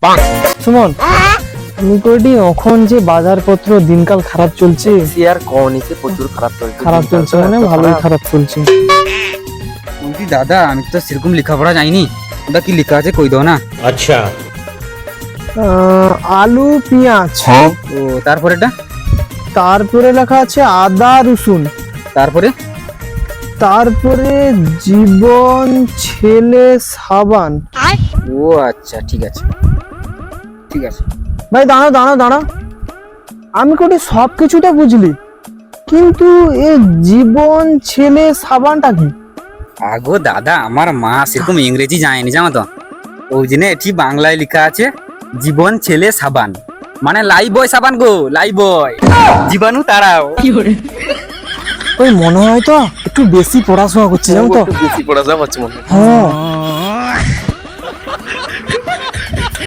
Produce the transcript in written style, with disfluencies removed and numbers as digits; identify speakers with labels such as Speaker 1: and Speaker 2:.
Speaker 1: সুমন আমি কইটি এখন যে বাজারপত্র দিনকাল খারাপ চলছে।
Speaker 2: আর কনিসে প্রচুর খারাপ চলছে।
Speaker 1: খারাপ চলছে মানে ভালোই খারাপ চলছে।
Speaker 2: বলছি দাদা আমি তো সেরকম লেখাপড়া জানিনি, ওটা কি লেখা আছে কই দাও না।
Speaker 3: अच्छा
Speaker 1: আলু পেঁয়াজ,
Speaker 2: ও তারপরেটা,
Speaker 1: তারপরে লেখা আছে আদা রসুন,
Speaker 2: তারপরে
Speaker 1: তারপরে জীবন ছেলে সাবান।
Speaker 2: ও আচ্ছা ঠিক আছে ঠিক আছে।
Speaker 1: ভাই দাঁড়া দাঁড়া দাঁড়া, আমি কোটি সব কিছুটা বুঝলি, কিন্তু এ জীবন ছেলে সাবানটা কি?
Speaker 2: আগো দাদা আমার মা সেরকম ইংরেজি জানেনি জানো তো, ওই জন্য এটি বাংলায় লেখা আছে জীবন ছেলে সাবান, মানে লাই বয় সাবান গো, লাই বয় জীবাণু তারাও।
Speaker 1: ওই মনে হয় তো একটু বেশি পড়াশোনা করছে জানো তো।
Speaker 4: একটু বেশি পড়াশোনা করছে মনে হয়।
Speaker 1: হ্যাঁ